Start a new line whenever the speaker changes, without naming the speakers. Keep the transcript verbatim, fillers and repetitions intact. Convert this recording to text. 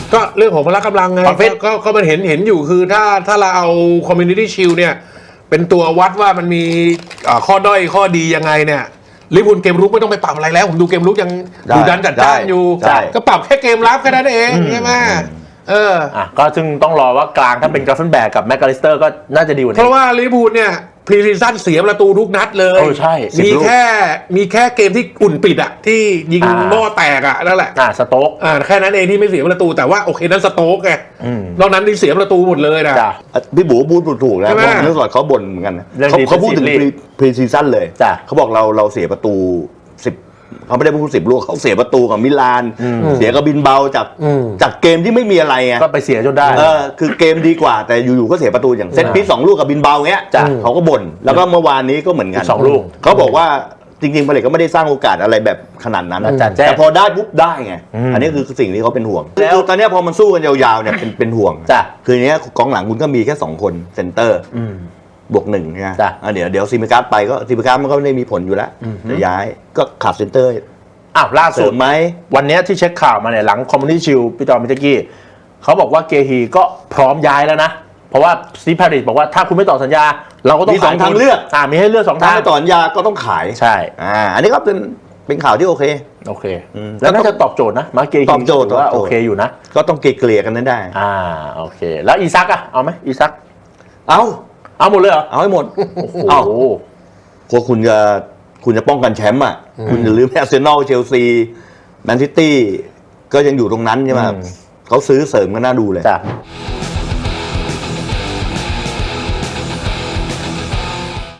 ก็เรื่องของพละกำลังไงก็ก็มันเห็นเห็นอยู่คือถ้าถ้าเราเอา Community Shield เนี่ยเป็นตัววัดว่ามันมีข้อด้อยข้อดียังไงเนี่ยลิเวอร์พูลเกมรุกไม่ต้องไปปรับอะไรแล้วผมดูเกมรุกยังดูดันจัดจ้านอยู่ก็ปรับแค่เกมรับแค่นั้นเองใช่ไหมเออ
อ่ะก็ซึ่งต้องรอว่ากลางถ้าเป็นกราฟเฟนแบกกับแมคคาลิสเตอร์ก็น่าจะดีกว่านี้
เพราะว่าลิเวอร์พูลเนี่ยพรีซีซั่นเสียประตูทุกนัดเลย
ใช่
มีแค่มีแค่เกมที่อุ่นปิดอะที่ยิงหม้อแตกอะนั่นแหละ
อ่าสโต๊ก
อ่าแค่นั้นเองที่ไม่เสียประตูแต่ว่าโอเคนั้นสโต๊กไงนอกนั้นที่เสียประตูหมดเลยนะ
พี่บูพูดถูกนะเพราะเนื่องจากเขาบ่นเหมือนกันเขาเขาพูดถึงพรีซีซั่นเลยเขาบอกเราเราเสียประตูสิบเขาไม่ได้พูดสิบลูกเขาเสียประตูกับมิลานเสียกับบินเบาจากจากเกมที่ไม่มีอะไรไง
ก็ไปเสียจนได้
เออคือเกมดีกว่าแต่อยู่ๆก็เสียประตูอย่างเซตพีซสองลูกกับบินเบาเงี้ยเขาก็บ่นแล้วก็เมื่อวานนี้ก็เหมือนกัน
สองลูก
เขาบอกว่าจริงๆผลิตก็ไม่ได้สร้างโอกาสอะไรแบบขนาดนั้นแต่พอได้ปุ๊บได้ไงอันนี้คือสิ่งที่เขาเป็นห่วงแล้วตอนนี้พอมันสู้กันยาวๆเนี่ยเป็นเป็นห่วงคือเนี้ยกองหลังคุณก็มีแค่สองคนเซนเตอร์บวกหนึ่งนะเดี๋ยวเดี๋ยวซิมิการ์ดไปก็ซิมิการ์ดมันก็ไม่ได้มีผลอยู่แล้วจะย้ายก็ขาดเซนเตอร์
อ้าวล่าสุด
ไหม
วันนี้ที่เช็คข่าวมาเนี่ยหลังคอมมูนิตี้ชิลพี่จอมมิตกี้เขาบอกว่าเกฮีก็พร้อมย้ายแล้วนะเพราะว่าซีพาริสบอกว่าถ้าคุณไม่ต่อสัญญาเราก็ต้อง
มีสองทางเลือก
อ่ามีให้เลือกสองทาง
ถ้าไม่ต่อสัญญาก็ต้องขาย
ใช่
อ่าอันนี้ก็เป็นเป็นข่าวที่โอเค
โอเคแล้วน่าจะตอบโจทย์นะมาเกฮี
ตอบโจทย์
ว่าโอเคอยู่นะ
ก็ต้องเกลี่ยกันนั้นได้
อ่าโอเคแล้วอีซักอะเอาไหมอีซัก
เอา
เอาหมดเลยเหรอ
เอาให้หมดโอ้โหพวกคุณจะคุณจะป้องกันแชมป์อ่ะคุณอย่าลืมอาร์เซนอลเชลซีแมนซิตี้ก็ยังอยู่ตรงนั้นใช่ไหมเขาซื้อเสริมก็น่าดูเลย
จ้ะ